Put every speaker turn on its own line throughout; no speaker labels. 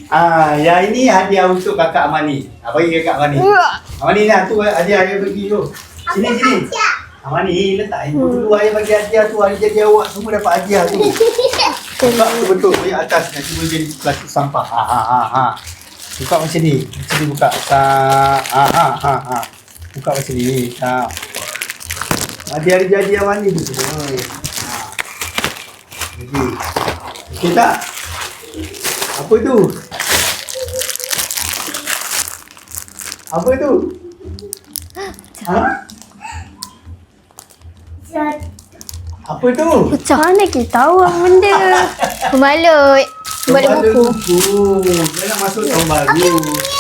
Yang ini hadiah untuk kakak Amani. Bagi kakak Amani. Amani ni tu hadiah ayah bagi tu. Sini. Amani letak handphone dulu, ayah bagi hadiah tu. Hari jadi awak semua dapat hadiah tu. Buka tu betul ayah atas nanti boleh jadi plastik sampah. Buka macam ni. Macam ni buka. Buka macam ni. Hadiah jadi Amani tu semua. Jadi. Okey tak? Apa tu? Apa tu? Apa tu?
Macam mana kita tahu apa benda? Pembalut. Pembalut buku.
Dia nak masuk tahun baru.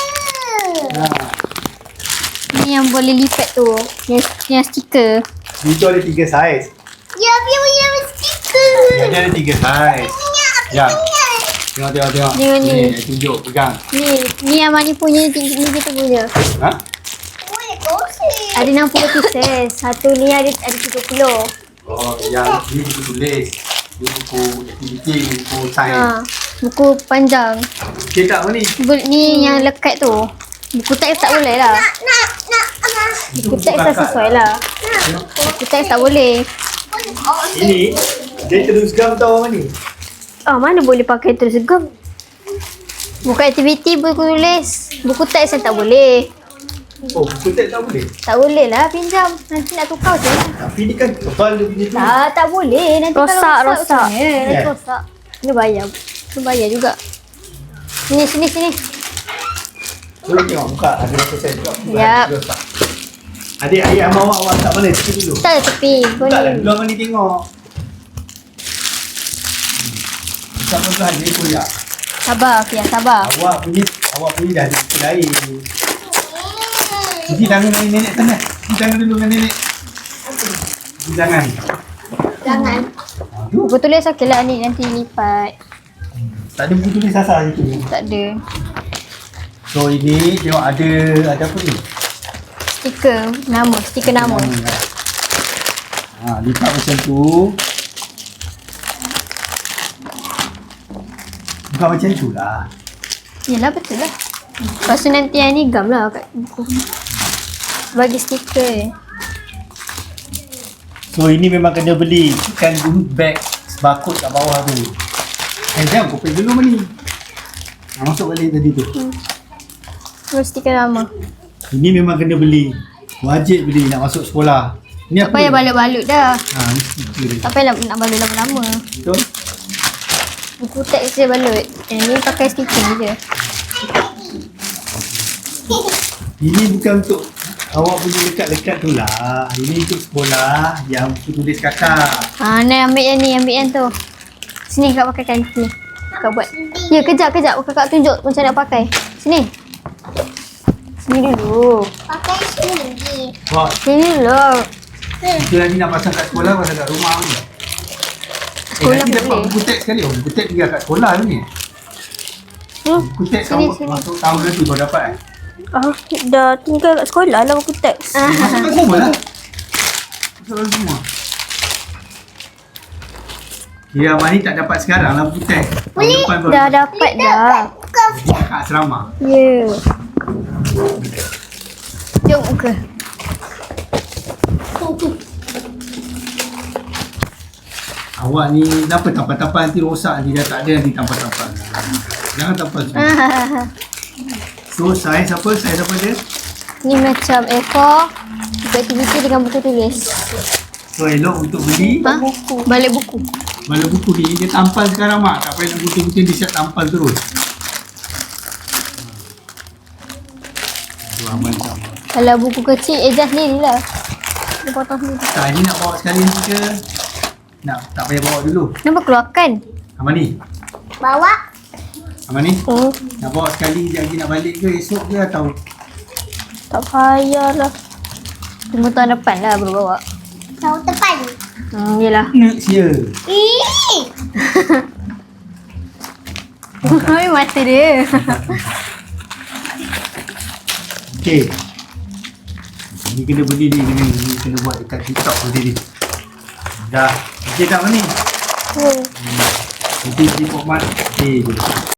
Ni yang boleh lipat tu. Yang stiker.
Itu ada 3 saiz.
Ya, biar punya stiker.
Dia ada 3 saiz. Ya. Tengok.
Tengok ni.
Tunjuk, pegang.
Ni yang mana punya ni kita punya.
Ha?
Boleh kongsi.
Ada 60 pieces. Satu ni ada 30.
Oh, yang ni buku tulis. Ni buku aktiviti, buku sains.
Buku panjang.
Okey tak Mani?
Ni yang lekat tu. Buku teks tak boleh lah.
Nak.
Buku teks tak sesuai lah. Buku teks tak boleh.
Ini dia terus gam tau Mani.
Mana boleh pakai terus gam. Buku aktiviti, buku tulis. Buku teks yang tak boleh.
Oh, buku teks tak boleh?
Tak boleh lah pinjam. Nanti nak tukar je.
Tapi ni kan tebal dia punya tu.
Tak boleh. Nanti
Rosak.
kalau rosak. Nanti
Yeah.
rosak. Kena bayar. Kena bayar juga. Sini.
Boleh tengok buka ada berapa sen juga.
Yap.
Adik ayah sama awak tak boleh sikit dulu.
Tak ada tepi.
Tak lah,
Boleh.
dulu Mani tengok. Tak apa dia kuliah.
Sabar, Fia. Sabar.
Awak punya dah ada lain. Cuci tangan dengan nenek sana. Cuci tangan dulu dengan nenek. Cuci tangan.
Jangan.
Buku tulis okey lah ni. Nanti lipat.
Tak ada buku tulis asal situ.
Tak ada.
So ini tengok ada apa ni?
Stiker nama. Stiker nama.
Lipat macam tu. Bukan macam tu lah.
Yelah betul lah. Lepas tu nanti yang ni gam lah kat buku. Bagi stiker.
So ini memang kena beli. Ikan bag barcode kat bawah tu. Jam kau pergi dulu Mani. Masuk balik tadi tu.
Terus stiker nama.
Ini memang kena beli. Wajib beli nak masuk sekolah. Ni
Tak
apa?
payah balut-balut dah.
Ni stiker dia.
Tak payah nak balut lama-lama.
Betul?
Buku teks je balut. Yang ni pakai stiker je.
Ini bukan untuk awak punya lekat-lekat tu lah. Ini untuk sekolah yang buku tulis kakak.
Ni ambil yang tu. Sini kakak pakaikan sini. Kakak buat. Ya, kejap. Kakak tunjuk macam nak pakai. Sini. Sini dulu.
Pakai sini.
Wah,
Sini dulu.
itu nanti nak pasang kat sekolah, pasang kat rumah ni.
Sekolah
nanti dapat
boleh.
buku teks sekali. Buku teks tinggal kat sekolah tu ni. Buku teks
Sini.
masuk tahun nanti kau dapat
Dah tinggal kat sekolah lah buku teks.
Masuk kat semua lah. Masuk kat semua. Kira Amani tak dapat sekarang lah buku teks. Tahun depan baru.
Dah dapat dah.
Jadi kat asrama.
Ya. Jom muka.
Awak ni kenapa tampal-tampal nanti rosak nanti dah tak ada nanti tampal-tampal. Jangan tampal semua. So saiz apa dia?
Ni macam A4. Buku aktiviti dengan buku tulis.
So elok untuk beli.
Balik buku.
Kalau buku ni dia tampal sekarang mak. Tak payah nak gunting-gunting dia siap tampal terus. Aduh aman sama.
Kalau buku kecil, adjust sendiri lah. Dia potong sendiri.
Tak ini nak bawa sekali nanti ke? Nak tak payah bawa dulu.
Kenapa keluarkan?
Amani.
Bawa.
Amani. Nak bawa sekali je lagi nak balik ke esok ke atau?
Tak payah lah.
Tunggu tahun depan lah baru bawa.
Tahun depan.
Yelah.
Nak sia.
Habis mata dia.
Okey. Ni kena beli ni kena buat dekat TikTok nanti ni. Dah. Okey tak Amani? Nanti di format. Okey.